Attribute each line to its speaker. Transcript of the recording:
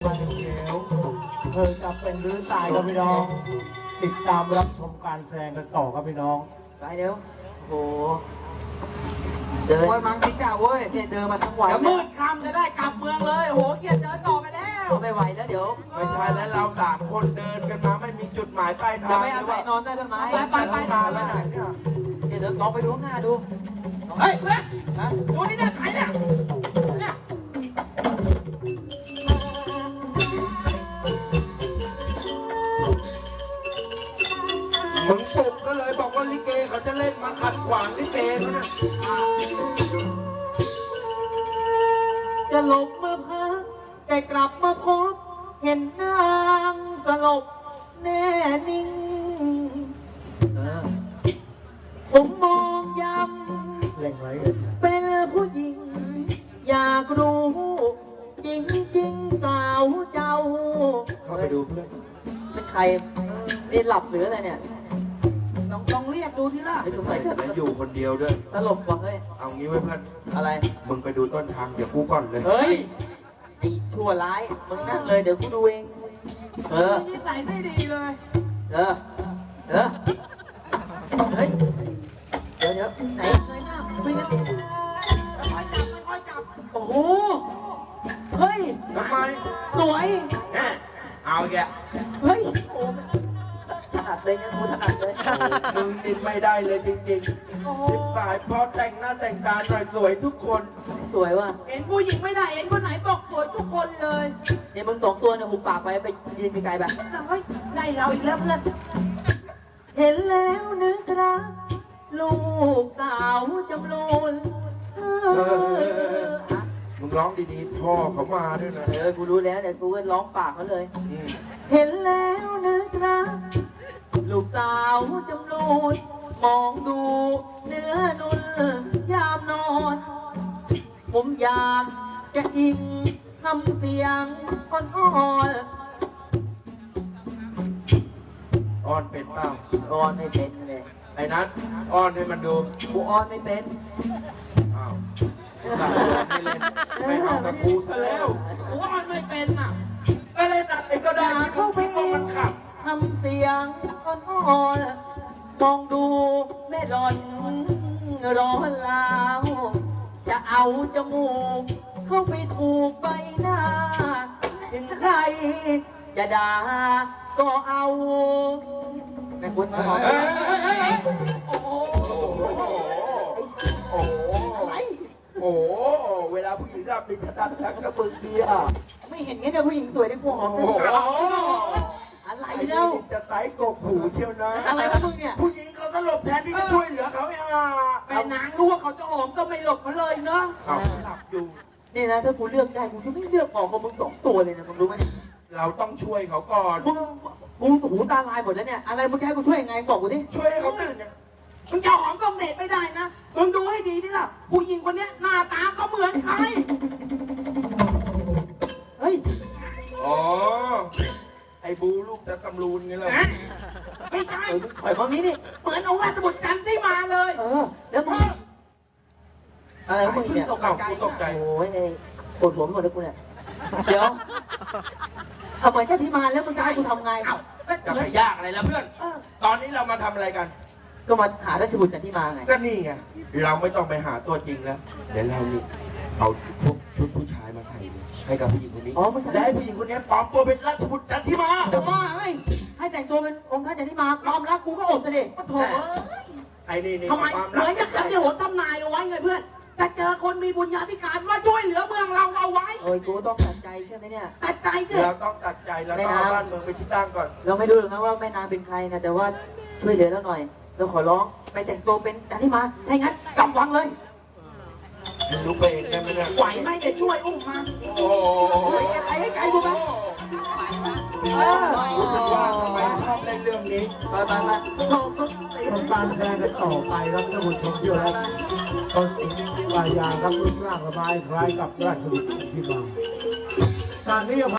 Speaker 1: มาเขียวเธอจะเป็นหรือตายครับพี่น้องติดตามรับชมการแสดงกันต่อครับพี่น้อง
Speaker 2: ไปเร็วโอ้เดินโอ้ยมังพี่เจ้าเว้ยเนี่ยเดินมาทั้งวันเดี๋ยวมืดค่ำจะได้กลับเมืองเลยโหเกียรติเดินต่อไปแล้วไม่ไหวแล้วเดี๋ยว
Speaker 3: ไม่ใช่แล้วเรา3 คนเดินกันมาไม่มีจุดหมายปลายทาง
Speaker 2: ไม่อาศัยนอนใต้ต้นไม้
Speaker 3: ไปมาแล้วไหนเนี่ย
Speaker 2: เดี๋ยวลองไปดูข้างหน้าดูเฮ้ยเพื่อนดูนี่เนี่ยใครเนี่ย
Speaker 3: มึงปลุกก็เลยบอกว่าลิเกเขาจะเล่นมาขัดขวางลิเกเขาเนี่ย
Speaker 2: จะหลบมาพักแต่กลับมาพบเห็นนางสลบแน่นิ่งผมมองย้ำเป็นผู้หญิงอยากรู้จริงสาวเจ้า
Speaker 3: เข้าไปดูเพื่อน
Speaker 2: เป็นใครนี่หลับหรืออะไรเนี่ยต้องเรียกดูที่ล่ะ
Speaker 3: แล้วอยู่คนเดียวด้วย
Speaker 2: ตลกว่ะเฮ้ย
Speaker 3: เอางี้ไว้เพื่อน
Speaker 2: อะไร
Speaker 3: มึงไปดูต้นทางเดี๋ยวกูก่อนเลย
Speaker 2: เฮ้ยไอ้ชั่วร้ายมึงนั่งเลยเดี๋ยวกูดูเองนิสัยไม่ดีเลยเฮ้ยเดี๋ยวไหนเคยหน้าคุยกันค่อยจับโอ้โหเฮ้ย
Speaker 3: ทำไม
Speaker 2: สวย
Speaker 3: เอาแก
Speaker 2: เฮ้ยโอ้ถนัดเลยเนี่ยกูถนัดเลย
Speaker 3: มึงนี่ไม่ได้เลยจริงๆทิพย์สายพอแต่งหน้าแต่งตาหน่อยสวยทุกคน
Speaker 2: สวยว่ะเห็นผู้หญิงไม่ได้เห็นคนไหนบอกสวยทุกคนเลยเนี่ยมึง2 ตัวเนี่ยหุบปากไปยืนไกลๆแบบเฮ้ยได้เราอีกแล้วเพื่อนเห็นแล้วนึกรักลูกสาวจำลูน
Speaker 3: มึงร้องดีๆพ่อเขามาด้วยนะ
Speaker 2: กูรู้แล้วเนี่ยกูก็ร้องปากเขาเลยเห็นแล้วนึกรักลูกสาวจำลูนมองดูเนื้อนุ่นยามนอนผมอยากจะอิงทำเสียงอ่อน
Speaker 3: อ้อนเป็นเปล่า
Speaker 2: อ่อนไม่เป็นเลย
Speaker 3: ไอ้นัทอ้อนให้มันดู
Speaker 2: กูอ่อนไม่เป็น
Speaker 3: อ้าวสั่งไม่เล่นไม่เอากับกูซะแล้ว
Speaker 2: กูอ่อนไม่เป็นอ่ะ
Speaker 3: ก็เล่นอะไรก็ได้เข้าไปมองมันขับ
Speaker 2: ทำเสียงอ่อนมองดูแม่ร้อนลาวจะเอาจมูกเข้าไปถูกใบหน้าถึงใครจะด่าก็เอาแม่คุณมาหอมโอ้โหอะไร
Speaker 3: โอ้เวลาผู้หญิงรับดิฉันดันทักกระปึกเดีย
Speaker 2: ไม่เห็นไงเนี่ยผู้หญิงสวยได้กูหอมเลยอะไรเล่า
Speaker 3: จะไต่กกหูเชียวนะ
Speaker 2: อะไรวะมึงเนี่ย
Speaker 3: ผู้หญิงเขาสลบแทนที่จะช่วยเหลือเขาเอง
Speaker 2: แม่นางรู้ว่าเขาจะหอมก็ไม่หลบเขาเลยเนาะ
Speaker 3: เขาหลับอยู่
Speaker 2: นี่นะถ้ากูเลือกได้กูจะไม่เลือกออกของมึง2 ตัวเลยนะมึงรู้ไหม
Speaker 3: เราต้องช่วยเขาก่อน
Speaker 2: มึงหูตาลายหมดแล้วเนี่ยอะไรมึงจะให้กูช่วยยังไงบอกกูดิ
Speaker 3: ช่วยให้เขาตื่นเนี่ย
Speaker 2: มึงจะหอมกองเดชไม่ได้นะมึงดูให้ดีนี่ล่ะผู้หญิงคนนี้หน้าตาก็เหมือนใครเฮ้ย
Speaker 3: อ๋อไอ้บูลูกจะตำรูนไงล่ะ
Speaker 2: ไม่ใช่ข่อยบางนี้นี่เหมือนองค์ราชบุตรจันทร์ที่มาเลยแล้วมึงอะไรมึงเนี่ย
Speaker 3: ตกใจ
Speaker 2: โอ้ยปวดหัวหมดแล้วกูเนี่ยเดี๋ยวทำไมแค่ที่มาแล้วมึงจะให้กูทำไง
Speaker 3: จะไปยากอะไรแล้วเพื่อนตอนนี้เรามาทำอะไรกัน
Speaker 2: ก็มาหาราชบุตรจันทร์ที่มาไง
Speaker 3: ก็นี่ไงเราไม่ต้องไปหาตัวจริงแล้วเดี๋ยวเรานี่เอาพวกชุดผู้ชายมาใส่ให้กับผู้หญิงคนนี้และให้ผู้หญิงคนนี้ปลอมตัวเป็นราชบุตรจันทร์ที่มา
Speaker 2: จะมาให้แต่งตัวเป็นองค์ท่านจันทร์ที่มาความรักกูก็อดเลยโถ่
Speaker 3: ไอ้นี่
Speaker 2: ทำไมเหมือนกับที่โหดตำนายเอาไว้ไงเพื่อนจะเจอคนมีบุญญาธิการว่าช่วยเหลือเมืองเราเอาไว้โอ้ยกูต้องตัดใจใช่ไหมเนี่ยตัดใจ
Speaker 3: เราต้องตัดใจเราต้องเอาบ้านเมืองไปที่ตั้งก่อน
Speaker 2: เราไม่รู้หรอกนะว่าแม่นางเป็นใครนะแต่ว่าช่วยเหลือเราหน่อยเราขอร้องไปแต่งตัวเป็นจันทร์ที่มาถ้าอย่างนั้นกำวังเลย
Speaker 3: รู้ไปเองได้ไหมเนี่ย
Speaker 2: ไหวไหมจะช่วยอุ้มมา
Speaker 3: โอ้
Speaker 2: ยไอ้ไก่กูไป
Speaker 3: รู้สึกว่าทำไมชอบเล่นเรื่องนี้
Speaker 2: ไป
Speaker 1: ทำการแสดงกันต่อไปครับท่านผู้ชมที่รักตอนสิงห์วายาครับรูปร่างสบายคล้ายกับราชบุตรที่มาการนี้